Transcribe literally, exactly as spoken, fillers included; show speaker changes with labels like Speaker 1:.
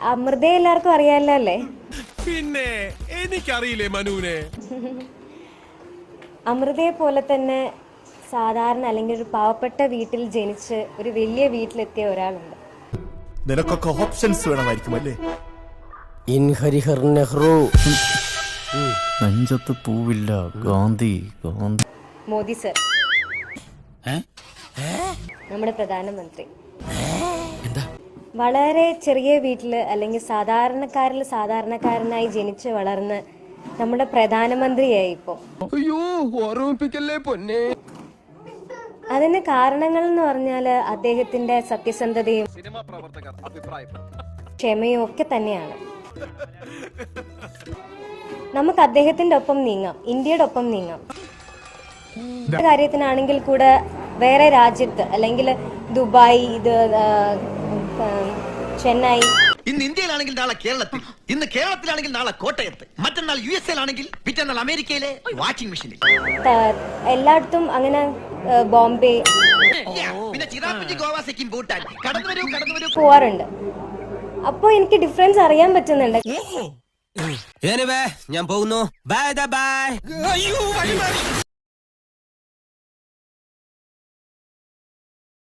Speaker 1: അമൃതയെ എല്ലാവർക്കും അറിയാലോ അല്ലേ?
Speaker 2: പിന്നെ എനിക്കറിയില്ലേ മനുവിനെ.
Speaker 1: അമൃതയെ പോലെ തന്നെ സാധാരണ അല്ലെങ്കിൽ ഒരു പാവപ്പെട്ട വീട്ടിൽ ജനിച്ച് ഒരു വലിയ വീട്ടിലെത്തിയ ഒരാളുണ്ട്.
Speaker 3: നിനക്കൊക്കെ ഓപ്ഷൻസ് വേണമായിരിക്കും അല്ലേ?
Speaker 4: ഇൻ ഹരിഹർ നെഹ്റു.
Speaker 5: നെഞ്ചത്ത് പൂവില്ല ഗാന്ധി ഗാന്ധി.
Speaker 1: മോദി സർ, നമ്മുടെ പ്രധാനമന്ത്രി. വളരെ ചെറിയ വീട്ടില് അല്ലെങ്കിൽ സാധാരണക്കാരിൽ സാധാരണക്കാരനായി ജനിച്ച് വളർന്ന് നമ്മുടെ പ്രധാനമന്ത്രിയായി ഇപ്പൊ. അതിന് കാരണങ്ങൾ എന്ന് പറഞ്ഞാല് അദ്ദേഹത്തിന്റെ സത്യസന്ധതയും ക്ഷമയും ഒക്കെ തന്നെയാണ്. നമുക്ക് അദ്ദേഹത്തിന്റെ ഒപ്പം നീങ്ങാം, ഇന്ത്യയുടെ ഒപ്പം നീങ്ങാം. കാര്യത്തിനാണെങ്കിൽ കൂടെ വേറെ രാജ്യത്ത് അല്ലെങ്കിൽ ദുബായ്, ഇത് ചെന്നൈ,
Speaker 6: ഇന്ന് ഇന്ത്യയിലാണെങ്കിൽ നാളെ കേരളത്തിൽ, ഇന്ന് കേരളത്തിലാണെങ്കിൽ നാളെ കോട്ടയത്ത്, മറ്റന്നാൾ യു എസ് എയിലാണെങ്കിൽ പിറ്റന്നാൾ അമേരിക്കയിലെ വാഷിംഗ് മെഷീനിൽ,
Speaker 1: എല്ലായിടത്തും അങ്ങനെ ബോംബെ
Speaker 6: പിന്നെ ചിറാപ്പുഞ്ചി, ഗോവ, സിക്കിം, ഭൂട്ടാൻ കടന്നു വരൂ കടന്നു വരൂ
Speaker 1: പോവാറുണ്ട്. അപ്പൊ എനിക്ക് ഡിഫറൻസ് അറിയാൻ പറ്റുന്നുണ്ട്.
Speaker 4: ഞാൻ പോകുന്നു. Bye by.